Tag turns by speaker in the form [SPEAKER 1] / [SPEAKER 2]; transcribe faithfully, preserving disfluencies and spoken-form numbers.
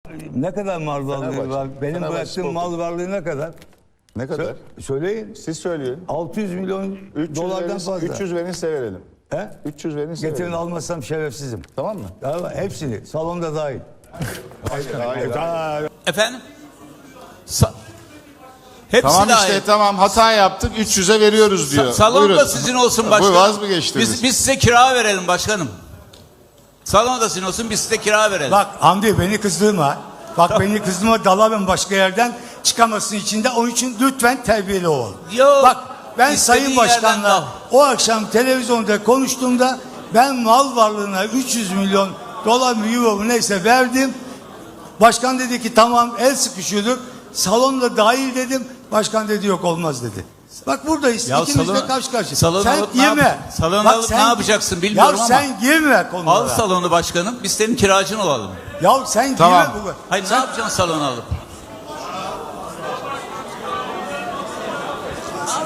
[SPEAKER 1] Ne kadar mal varlığı
[SPEAKER 2] Fenerbahçe.
[SPEAKER 1] var? Benim
[SPEAKER 2] Fenerbahçe
[SPEAKER 1] bıraktığım
[SPEAKER 2] Spor
[SPEAKER 1] mal varlığı ne kadar?
[SPEAKER 2] Ne kadar?
[SPEAKER 1] Sö- söyleyin.
[SPEAKER 2] Siz söyleyin.
[SPEAKER 1] altı yüz milyon
[SPEAKER 2] üç yüz
[SPEAKER 1] dolardan
[SPEAKER 2] verin,
[SPEAKER 1] fazla.
[SPEAKER 2] üç yüz verin size verelim.
[SPEAKER 1] He?
[SPEAKER 2] üç yüz verin size
[SPEAKER 1] Getirin
[SPEAKER 2] verelim.
[SPEAKER 1] almazsam şerefsizim.
[SPEAKER 2] Tamam mı?
[SPEAKER 1] Ya, hepsini. Salonda dahil.
[SPEAKER 2] Hayır, hayır.
[SPEAKER 3] Efendim? Sa Hepsi
[SPEAKER 4] Tamam
[SPEAKER 3] dahil.
[SPEAKER 4] işte tamam hata yaptık üç yüze veriyoruz diyor.
[SPEAKER 3] Sa salon da
[SPEAKER 4] Buyurun.
[SPEAKER 3] sizin olsun
[SPEAKER 4] Bu
[SPEAKER 3] başkanım.
[SPEAKER 4] vaz mı geçtiniz?
[SPEAKER 3] Biz, biz size kira verelim başkanım. Salon da sizin olsun, biz size kira verelim.
[SPEAKER 5] Bak Hamdi beni kızdırma. Bak beni kızdırma, dalamam başka yerden çıkamazsın içinde. Onun için lütfen terbiyeli ol.
[SPEAKER 3] Yok,
[SPEAKER 5] Bak ben
[SPEAKER 3] istediğin
[SPEAKER 5] Sayın
[SPEAKER 3] yerden
[SPEAKER 5] Başkan'la
[SPEAKER 3] dal.
[SPEAKER 5] o akşam televizyonda konuştuğumda ben mal varlığına üç yüz milyon dolar mı euro mu neyse verdim. Başkan dedi ki tamam el sıkışıyorduk. Salonda dahil dedim. Başkan dedi yok olmaz dedi. Bak buradayız.
[SPEAKER 3] Ya
[SPEAKER 5] İkimiz
[SPEAKER 3] salon-
[SPEAKER 5] de karşı karşıya.
[SPEAKER 3] salonu
[SPEAKER 5] Sen
[SPEAKER 3] alıp ne
[SPEAKER 5] girme.
[SPEAKER 3] yap- salonu
[SPEAKER 5] Bak
[SPEAKER 3] alıp
[SPEAKER 5] sen-
[SPEAKER 3] ne yapacaksın bilmiyorum
[SPEAKER 5] ya
[SPEAKER 3] ama-
[SPEAKER 5] sen girme konulara.
[SPEAKER 3] Al salonu başkanım, biz senin kiracın olalım.
[SPEAKER 5] Ya sen
[SPEAKER 4] Tamam.
[SPEAKER 5] girme bu.
[SPEAKER 3] Hayır,
[SPEAKER 5] Sen-
[SPEAKER 3] ne yapacaksın salonu alıp?